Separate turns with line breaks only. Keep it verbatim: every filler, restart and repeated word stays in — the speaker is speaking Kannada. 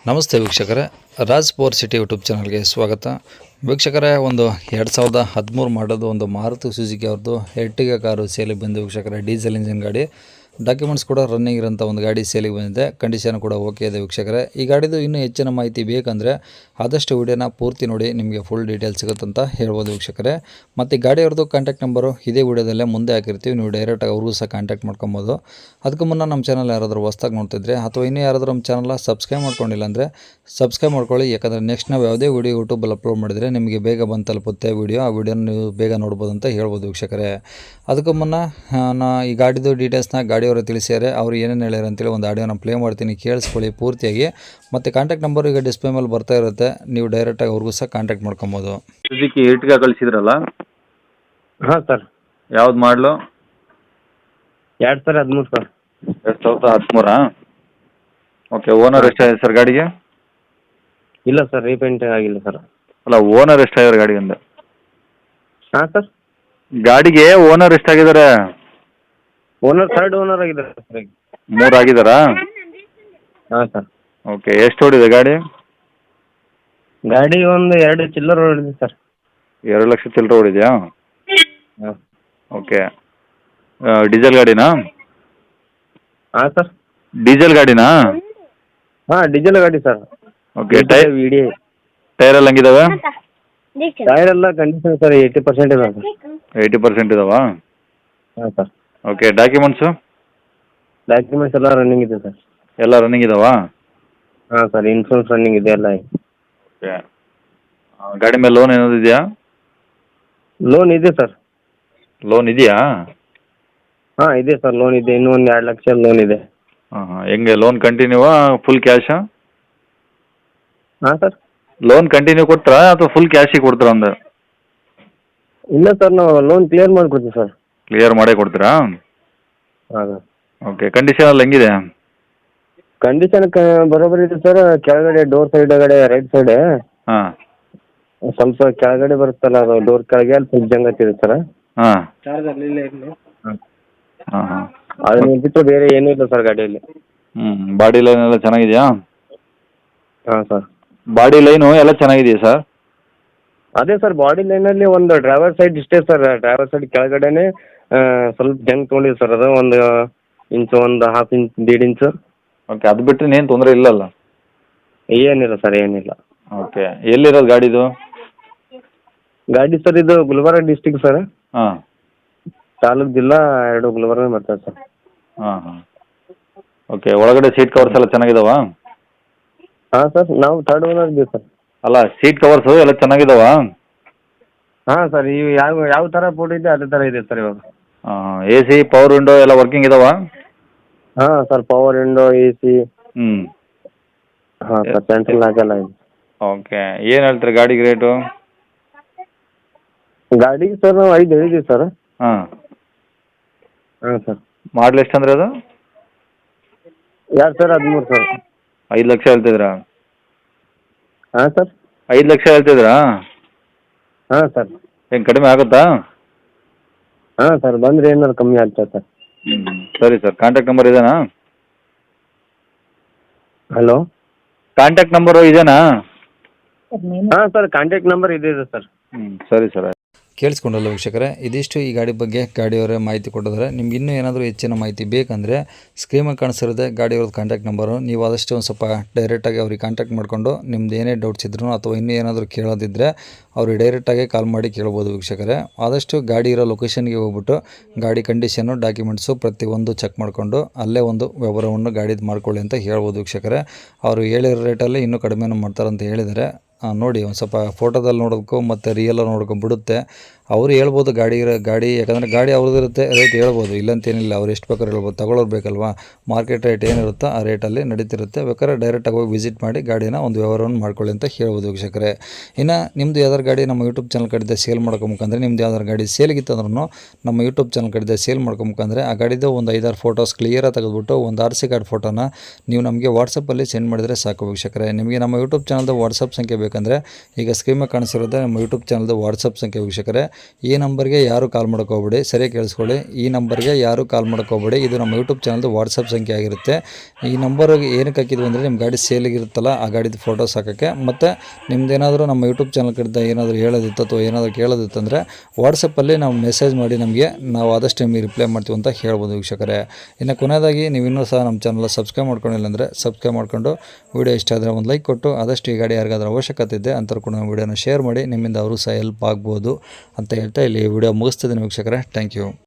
ನಮಸ್ತೆ ವೀಕ್ಷಕರೇ, ರಾಜ್ ಪವರ್ ಸಿಟಿ ಯೂಟ್ಯೂಬ್ ಚಾನಲ್ಗೆ ಸ್ವಾಗತ. ವೀಕ್ಷಕರೇ, ಒಂದು ಎರಡು ಸಾವಿರದ ಹದಿಮೂರು ಮಾಡೋದು ಒಂದು ಮಾರುತಿ ಸುಜುಕಿ ಅವ್ರದ್ದು ಎರ್ಟಿಗಾ ಕಾರು ಸೇಲಿಗೆ ಬಂದು ವೀಕ್ಷಕರೇ. ಡೀಸೆಲ್ ಇಂಜಿನ್ ಗಾಡಿ, ಡಾಕ್ಯುಮೆಂಟ್ಸ್ ಕೂಡ ರನ್ನಿಂಗ್ ಇರೋಂಥ ಒಂದು ಗಾಡಿ ಸೇಲಿಗೆ ಬಂದಿದೆ. ಕಂಡೀಷನ್ ಕೂಡ ಓಕೆ ಇದೆ ವೀಕ್ಷಕರೇ. ಈ ಗಾಡಿದು ಇನ್ನೂ ಹೆಚ್ಚಿನ ಮಾಹಿತಿ ಬೇಕಂದರೆ ಆದಷ್ಟು ವಿಡಿಯೋನ ಪೂರ್ತಿ ನೋಡಿ, ನಿಮಗೆ ಫುಲ್ ಡೀಟೇಲ್ಸ್ ಸಿಗುತ್ತಂತ ಹೇಳ್ಬೋದು ವೀಕ್ಷಕರೇ. ಮತ್ತು ಈ ಗಾಡಿಯವ್ರದ್ದು ಕಾಂಟ್ಯಾಕ್ಟ್ ನಂಬರು ಇದೇ ವಿಡಿಯೋದಲ್ಲೇ ಮುಂದೆ ಹಾಕಿರ್ತೀವಿ, ನೀವು ಡೈರೆಕ್ಟಾಗಿ ಅವ್ರಿಗೂ ಸಹ ಕಾಂಟ್ಯಾಕ್ಟ್ ಮಾಡ್ಕೊಬೋದು. ಅದಕ್ಕೂ ಮುನ್ನ ನಮ್ಮ ಚಾನಲ್ ಯಾರಾದರೂ ಹೊಸ್ದಾಗಿ ನೋಡ್ತಿದ್ರೆ ಅಥವಾ ಇನ್ನೂ ಯಾರಾದರೂ ನಮ್ಮ ಚಾನಲ್ನ ಸಬ್ಸ್ಕ್ರೈಬ್ ಮಾಡ್ಕೊಂಡಿಲ್ಲ ಅಂದರೆ ಸಬ್ಸ್ಕ್ರೈಬ್ ಮಾಡ್ಕೊಳ್ಳಿ. ಯಾಕಂದರೆ ನೆಕ್ಸ್ಟ್ ನಾವು ಯಾವುದೇ ವಿಡಿಯೋ ಯೂಟ್ಯೂಬಲ್ಲಿ ಅಪ್ಲೋಡ್ ಮಾಡಿದರೆ ನಿಮಗೆ ಬೇಗ ಬಂದು ತಲುಪುತ್ತೆ ವಿಡಿಯೋ. ಆ ವಿಡಿಯೋನ ನೀವು ಬೇಗ ನೋಡ್ಬೋದು ಅಂತ ಹೇಳ್ಬೋದು ವೀಕ್ಷಕರೇ. ಅದಕ್ಕೂ ಮುನ್ನ ನಾ ಈ ಗಾಡಿದು ಡೀಟೇಲ್ಸ್ನ ಗಾಡಿಯವರು ತಿಳಿಸ್ಯಾರೆ, ಅವರು ಏನೇನು ಹೇಳ್ಯಾರ ಅಂತೇಳಿ ಒಂದು ಆಡಿಯೋನ ಪ್ಲೇ ಮಾಡ್ತೀನಿ, ಕೇಳಿಸ್ಕೊಳ್ಳಿ ಪೂರ್ತಿಯಾಗಿ. ಮತ್ತು ಕಾಂಟ್ಯಾಕ್ಟ್ ನಂಬರ್ ಈಗ ಡಿಸ್ಪ್ಲೇ ಮೇಲೆ ಬರ್ತಾ ಇರುತ್ತೆ, ನೀವು ಡೈರೆಕ್ಟಾಗಿ ಅವ್ರಿಗೂ ಸಹ ಕಾಂಟ್ಯಾಕ್ಟ್ ಮಾಡ್ಕೊಬೋದು.
ಸುಜುಕಿ ಎರ್ಟಿಗಾ ಕಳಿಸಿದ್ರಲ್ಲ,
ಹಾಂ ಸರ್.
ಯಾವ್ದು ಮಾಡಲು?
ಎರಡು ಸಾವಿರ ಹದಿಮೂರು ಸರ್.
ಎರಡು ಸಾವಿರದ ಹದಿಮೂರಾ? ಓಕೆ. ಓನರ್ ಎಷ್ಟಾಗಿದೆ ಸರ್ ಗಾಡಿಗೆ?
ಇಲ್ಲ ಸರ್, ರೀಪೇಂಟ್ ಆಗಿಲ್ಲ ಸರ್.
ಅಲ್ಲ, ಓನರ್ ಎಷ್ಟಾಗಿದ್ದಾರೆ ಗಾಡಿಗೆ ಅಂದೆ?
ಹಾಂ ಸರ್.
ಗಾಡಿಗೆ ಓನರ್ ಎಷ್ಟಾಗಿದ್ದಾರೆ?
ಓನರ್ ಥರ್ಡ್ ಓನರ್ ಆಗಿದ್ದಾರೆ ಸರ್ ಈಗ.
ಮೂರು ಆಗಿದ್ದಾರಾ?
ಹಾಂ ಸರ್.
ಓಕೆ. ಎಷ್ಟು ಓಡಿದೆ ಗಾಡಿ?
ಗಾಡಿ ಒಂದು ಎರಡು ಚಿಲ್ಲರ್ ಹೊಡಿದೆ ಸರ್.
ಎರಡು ಲಕ್ಷ ಚಿಲ್ಲರೆ ಓಡಿದೆಯಾ?
ಹಾಂ.
ಓಕೆ. ಡೀಸೆಲ್ ಗಾಡಿನಾ?
ಹಾಂ ಸರ್.
ಡೀಸೆಲ್ ಗಾಡಿನಾ?
ಹಾಂ, ಡೀಸೆಲ್ ಗಾಡಿ ಸರ್.
ಓಕೆ. ಟೈರ್
ವಿ ಡಿ
ಟೈರ್ ಎಲ್ಲ ಹಂಗಿದಾವೆ?
ಟೈರ್ ಎಲ್ಲ ಕಂಡೀಷನ್ ಸರ್ ಏಯ್ಟಿ ಪರ್ಸೆಂಟ್ ಇದೆ ಸರ್.
ಏಯ್ಟಿ ಪರ್ಸೆಂಟ್ ಇದಾವಾ?
ಹಾಂ ಸರ್.
ಓಕೆ. ಡಾಕ್ಯುಮೆಂಟ್ಸು
ಡಾಕ್ಯುಮೆಂಟ್ಸ್ ಎಲ್ಲ ರನ್ನಿಂಗ್ ಇದೆ ಸರ್.
ಎಲ್ಲ ರನ್ನಿಂಗ್ ಇದಾವಾ?
ಹಾಂ ಸರ್, ಇನ್ಶೂರೆನ್ಸ್ ರನ್ನಿಂಗ್ ಇದೆ ಎಲ್ಲ.
ಓಕೆ. ಗಾಡಿ ಮೇಲೆ ಲೋನ್ ಏನಾದ್ರು ಇದೆಯಾ?
ಲೋನ್ ಇದೆ ಸರ್.
ಲೋನ್ ಇದೆಯಾ?
ಹಾಂ ಇದೆ ಸರ್, ಲೋನ್ ಇದೆ. ಇನ್ನೂ ಒಂದು ಎರಡು ಲಕ್ಷ ಲೋನ್ ಇದೆ.
ಹಾಂ ಹಾಂ. ಹೆಂಗೆ ಲೋನ್ ಕಂಟಿನ್ಯೂವಾ ಫುಲ್ ಕ್ಯಾಶಾ?
ಹಾಂ ಸರ್.
ಲೋನ್ ಕಂಟಿನ್ಯೂ ಕೊಟ್ರಾ ಅಥವಾ ಫುಲ್ ಕ್ಯಾಶಿಗೆ ಕೊಡ್ತೀರಾ ಅಂದೆ?
ಇಲ್ಲ ಸರ್, ನಾವು ಲೋನ್ ಕ್ಲಿಯರ್ ಮಾಡಿಕೊಡ್ತೀವಿ ಸರ್.
ಕ್ಲಿಯರ್ ಮಾಡೇ ಕೊಡ್ತೀರಾ?
ಹಾಂ ಸರ್.
ಓಕೆ. ಕಂಡೀಷನ್ ಎಲ್ಲ ಹೆಂಗಿದೆ?
ಕಂಡೀಷನ್ ಕ ಬರೋಬ್ಬರಿ ಇದೆ ಸರ್. ಕೆಳಗಡೆ ಡೋರ್ ಸೈಡ್ಗಡೆ ರೈಟ್ ಸೈಡ್
ಹಾಂ
ಸ್ವಲ್ಪ ಕೆಳಗಡೆ ಬರುತ್ತಲ್ಲ, ಅದು ಡೋರ್ ಕೆಳಗೆ ಅಲ್ಲಿ ಸ್ವಲ್ಪ ಜಂಗತ್ತಿದೆ ಸರ್.
ಹಾಂ
ಹಾಂ.
ಹಾಂ ಹಾಂ.
ಅದನ್ನ ಬಿಟ್ಟು ಬೇರೆ ಏನೂ ಇಲ್ಲ ಸರ್ ಗಾಡಿಯಲ್ಲಿ.
ಹ್ಞೂ. ಬಾಡಿ ಲೈನ್ ಎಲ್ಲ ಚೆನ್ನಾಗಿದೆಯಾ?
ಹಾಂ ಸರ್.
ಬಾಡಿ ಲೈನು ಎಲ್ಲ ಚೆನ್ನಾಗಿದೆಯಾ ಸರ್?
ಅದೇ ಸರ್, ಬಾಡಿ ಲೈನಲ್ಲಿ ಒಂದು ಡ್ರೈವರ್ ಸೈಡ್ ಇಷ್ಟೇ ಸರ್. ಡ್ರೈವರ್ ಸೈಡ್ ಕೆಳಗಡೆನೆ ಸ್ವಲ್ಪ ಜಂಗ್ ತೊಗೊಂಡಿದೆ ಸರ್. ಅದು ಒಂದು ಇಂಚು, ಒಂದು ಹಾಫ್ ಇಂಚ್, ದೀಡ್ ಇಂಚು.
ಓಕೆ. ಅದು ಬಿಟ್ಟರೆ ಏನು ತೊಂದರೆ ಇಲ್ಲಲ್ಲ?
ಏನಿಲ್ಲ ಸರ್, ಏನಿಲ್ಲ.
ಓಕೆ. ಎಲ್ಲಿರೋದು ಗಾಡಿದು?
ಗಾಡಿ ಸರ್ ಇದು ಗುಲ್ಬರ್ಗ ಡಿಸ್ಟಿಕ್ ಸರ್.
ಹಾಂ.
ತಾಲೂಕು ಜಿಲ್ಲಾ ಎರಡು ಗುಲ್ಬರ್ಗ ಬರ್ತದೆ ಸರ್.
ಹಾಂ ಹಾಂ. ಓಕೆ. ಒಳಗಡೆ ಸೀಟ್ ಕವರ್ಸ್ ಎಲ್ಲ ಚೆನ್ನಾಗಿದಾವ?
ಹಾಂ ಸರ್, ನಾವು ಥರ್ಡ್ ಓನರ್ ಇದ್ದೀವಿ ಸರ್.
ಅಲ್ಲ, ಸೀಟ್ ಕವರ್ಸು ಎಲ್ಲ ಚೆನ್ನಾಗಿದಾವ?
ಹಾಂ ಸರ್, ಇವು ಯಾವ ಯಾವ ಥರ ಫೋಟೋ ಇದೆ ಅದೇ ಥರ ಇದೆ ಸರ್ ಇವಾಗ.
ಹಾಂ. ಎ ಸಿ, ಪವರ್ ವಿಂಡೋ ಎಲ್ಲ ವರ್ಕಿಂಗ್ ಇದಾವ?
ಹಾಂ sir, power window, A C.
ಹ್ಞೂ.
ಹಾಂ ಸರ್, ಸೆಂಟ್ರಲ್ ಹಾಗೆಲ್ಲ ಇದೆ.
ಓಕೆ. ಏನು ಹೇಳ್ತೀರಿ ಗಾಡಿಗೆ ರೇಟು?
ಗಾಡಿಗೆ ಸರ್ ನಾವು ಐದು ಹೇಳಿದ್ದೀವಿ ಸರ್.
ಹಾಂ
ಹಾಂ ಸರ್.
ಮಾಡಲ್ ಎಷ್ಟು ಅಂದರೆ ಅದು?
ಎರಡು ಸಾವಿರ ಹದಿಮೂರು ಸರ್.
ಐದು ಲಕ್ಷ ಹೇಳ್ತಿದ್ರಾ?
ಹಾಂ ಸರ್.
ಐದು ಲಕ್ಷ ಹೇಳ್ತಿದ್ರಾ?
ಹಾಂ ಸರ್.
ಏನು ಕಡಿಮೆ ಆಗುತ್ತಾ?
ಹಾಂ ಸರ್, ಬಂದರೆ ಏನಾದ್ರು ಕಮ್ಮಿ ಆಗ್ತದೆ ಸರ್.
ಹ್ಞೂ. ಸರಿ ಸರ್. ಕಾಂಟ್ಯಾಕ್ಟ್ ನಂಬರ್ ಇದೇನಾ?
ಹಲೋ,
ಕಾಂಟ್ಯಾಕ್ಟ್ ನಂಬರು ಇದೇನಾ?
ಹಾಂ ಸರ್, ಕಾಂಟ್ಯಾಕ್ಟ್ ನಂಬರ್ ಇದೆ ಇದೆ ಸರ್.
ಹ್ಞೂ. ಸರಿ ಸರ್.
ಕೇಳಿಸ್ಕೊಂಡಲ್ಲ ವೀಕ್ಷಕರೇ, ಇದಿಷ್ಟು ಈ ಗಾಡಿ ಬಗ್ಗೆ ಗಾಡಿಯವರೇ ಮಾಹಿತಿ ಕೊಟ್ಟಿದ್ದಾರೆ. ನಿಮ್ಗೆ ಇನ್ನೂ ಏನಾದರೂ ಹೆಚ್ಚಿನ ಮಾಹಿತಿ ಬೇಕಂದರೆ ಸ್ಕ್ರೀನಲ್ಲಿ ಕಾಣಿಸಿರುತ್ತೆ ಗಾಡಿಯವ್ರದ್ದು ಕಾಂಟ್ಯಾಕ್ಟ್ ನಂಬರು. ನೀವು ಆದಷ್ಟು ಒಂದು ಸ್ವಲ್ಪ ಡೈರೆಕ್ಟಾಗಿ ಅವ್ರಿಗೆ ಕಾಂಟ್ಯಾಕ್ಟ್ ಮಾಡಿಕೊಂಡು ನಿಮ್ದು ಏನೇ ಡೌಟ್ಸ್ ಇದ್ರೂ ಅಥವಾ ಇನ್ನೂ ಏನಾದರೂ ಕೇಳೋದಿದ್ದರೆ ಅವ್ರಿಗೆ ಡೈರೆಕ್ಟಾಗಿ ಕಾಲ್ ಮಾಡಿ ಕೇಳ್ಬೋದು ವೀಕ್ಷಕರೇ. ಆದಷ್ಟು ಗಾಡಿ ಇರೋ ಲೊಕೇಶನ್ಗೆ ಹೋಗ್ಬಿಟ್ಟು ಗಾಡಿ ಕಂಡೀಷನ್ನು, ಡಾಕ್ಯುಮೆಂಟ್ಸು ಪ್ರತಿಯೊಂದು ಚೆಕ್ ಮಾಡಿಕೊಂಡು ಅಲ್ಲೇ ಒಂದು ವ್ಯವಹಾರವನ್ನು ಗಾಡಿದು ಮಾಡ್ಕೊಳ್ಳಿ ಅಂತ ಹೇಳ್ಬೋದು ವೀಕ್ಷಕರೇ. ಅವರು ಹೇಳಿರೋ ರೇಟಲ್ಲಿ ಇನ್ನೂ ಕಡಿಮೆನೂ ಮಾಡ್ತಾರಂತ ಹೇಳಿದ್ದಾರೆ. ನೋಡಿ, ಒಂದು ಸ್ವಲ್ಪ ಫೋಟೋದಲ್ಲಿ ನೋಡೋದಕ್ಕೂ ಮತ್ತು ರಿಯಲ್ ನೋಡ್ಕೊಂಡು ಬಿಡುತ್ತೆ. ಅವರು ಹೇಳ್ಬೋದು ಗಾಡಿ ಗಾಡಿ ಯಾಕಂದರೆ ಗಾಡಿ ಅವ್ರದ್ದು ಇರುತ್ತೆ, ರೇಟ್ ಹೇಳ್ಬೋದು, ಇಲ್ಲಂತೇನಿಲ್ಲ. ಅವ್ರು ಎಷ್ಟು ಬೇಕಾದ್ರೂ ಹೇಳ್ಬೋದು, ತಗೊಳ್ಳೋರು ಬೇಕಲ್ವಾ. ಮಾರ್ಕೆಟ್ ರೇಟ್ ಏನಿರುತ್ತೋ ಆ ರೇಟಲ್ಲಿ ನಡೀತಿರುತ್ತೆ. ಬೇಕಾದ್ರೆ ಡೈರೆಕ್ಟಾಗಿ ಹೋಗಿ ವಿಸಿಟ್ ಮಾಡಿ ಗಾಡಿನ ಒಂದು ವ್ಯವಹಾರವನ್ನು ಮಾಡ್ಕೊಳ್ಳಿ ಅಂತ ಹೇಳ್ಬೋದು ವೀಕ್ಷಕರೇ. ಇನ್ನು ನಿಮ್ಮದು ಯಾವ್ದಾರು ಗಾಡಿ ನಮ್ಮ ಯೂಟ್ಯೂಬ್ ಚಾನಲ್ ಕಡೆದ ಸೇಲ್ ಮಾಡ್ಕೊಬೇಕಂದ್ರೆ, ನಿಮ್ದು ಯಾವ್ದಾರು ಗಾಡಿ ಸೇಲ್ಗಿತ್ತಂದ್ರೂ ನಮ್ಮ ಯೂಟ್ಯೂಬ್ ಚಾನಲ್ ಕಡೆದ ಸೇಲ್ ಮಾಡ್ಕೊಬೇಕಂದ್ರೆ ಆ ಗಾಡಿದು ಒಂದು ಐದಾರು ಫೋಟೋಸ್ ಕ್ಲಿಯರಾಗಿ ತೆಗೆದುಬಿಟ್ಟು ಒಂದು ಆರ್ ಸಿ ಕಾರ್ಡ್ ಫೋಟೋನ ನೀವು ನಮಗೆ ವಾಟ್ಸಪ್ಪಲ್ಲಿ ಸೆಂಡ್ ಮಾಡಿದರೆ ಸಾಕು ವೀಕ್ಷಕರೇ. ನಿಮಗೆ ನಮ್ಮ ಯೂಟ್ಯೂಬ್ ಚಾನಲ್ದು ವಾಟ್ಸಪ್ ಸಂಖ್ಯೆ ಬೇಕಂದರೆ ಈಗ ಸ್ಕ್ರೀನ್ ಮೇಲೆ ಕಾಣಿಸಿರೋದೇ ನಮ್ಮ ಯೂಟ್ಯೂಬ್ ಚಾನಲ್ದು ವಾಟ್ಸಪ್ ಸಂಖ್ಯೆ ವೀಕ್ಷಕರೇ. ಈ ನಂಬರ್ಗೆ ಯಾರು ಕಾಲ್ ಹೋಗ್ಬೇಡಿ, ಸರಿಯಾಗಿ ಕೇಳಿಸ್ಕೊಳ್ಳಿ. ಈ ನಂಬರ್ಗೆ ಯಾರು ಕಾಲ್ ಹೋಗ್ಬೇಡಿ, ಇದು ನಮ್ಮ ಯೂಟ್ಯೂಬ್ ಚಾನಲ್ದು ವಾಟ್ಸಪ್ ಸಂಖ್ಯೆ ಆಗಿರುತ್ತೆ. ಈ ನಂಬರ್ಗೆ ಏನಕ್ಕೆ ಹಾಕಿದ್ವಿ ಅಂದರೆ ನಿಮ್ಮ ಗಾಡಿ ಸೇಲಿಗಿರುತ್ತಲ್ಲ ಆ ಗಾಡಿದು ಫೋಟೋಸ್ ಹಾಕೋಕ್ಕೆ, ಮತ್ತು ನಿಮ್ದೇನಾದರೂ ನಮ್ಮ ಯೂಟ್ಯೂಬ್ ಚಾನಲ್ ಕಡೆದ ಏನಾದರೂ ಹೇಳೋದಿತ್ತು ಅಥವಾ ಏನಾದರೂ ಕೇಳೋದಿತ್ತು ಅಂದರೆ ವಾಟ್ಸಪ್ಪಲ್ಲಿ ನಾವು ಮೆಸೇಜ್ ಮಾಡಿ ನಮಗೆ ನಾವು ಆದಷ್ಟು ನಿಮಗೆ ರಿಪ್ಲೈ ಮಾಡ್ತೀವಿ ಅಂತ ಹೇಳ್ಬೋದು ವೀಕ್ಷಕರೇ. ಇನ್ನು ಕೊನೆಯದಾಗಿ ನೀವು ಇನ್ನೂ ಸಹ ನಮ್ಮ ಚಾನಲ್ ಸಬ್ಸ್ಕ್ರೈಬ್ ಮಾಡ್ಕೊಂಡಿಲ್ಲ ಅಂದರೆ ಸಬ್ಸ್ಕ್ರೈಬ್ ಮಾಡ್ಕೊಂಡು ವಿಡಿಯೋ ಇಷ್ಟ ಆದರೆ ಒಂದು ಲೈಕ್ ಕೊಟ್ಟು ಆದಷ್ಟು ಈ ಗಾಡಿ ಯಾರಿಗಾದ್ರೂ ಅವಶ್ಯಕತೆ ಇದೆ ಅಂಥವ್ರು ಕೂಡ ನಮ್ಮ ವಿಡಿಯೋನ ಶೇರ್ ಮಾಡಿ, ನಿಮ್ಮಿಂದ ಅವರು ಸಹ ಹೆಲ್ಪ್ ಆಗ್ಬೋದು ಅಂತ ಹೇಳ್ತಾ ಇಲ್ಲಿ ವಿಡಿಯೋ ಮುಗಿಸ್ತಿದ್ದೀನಿ ವೀಕ್ಷಕರೇ. Thank you.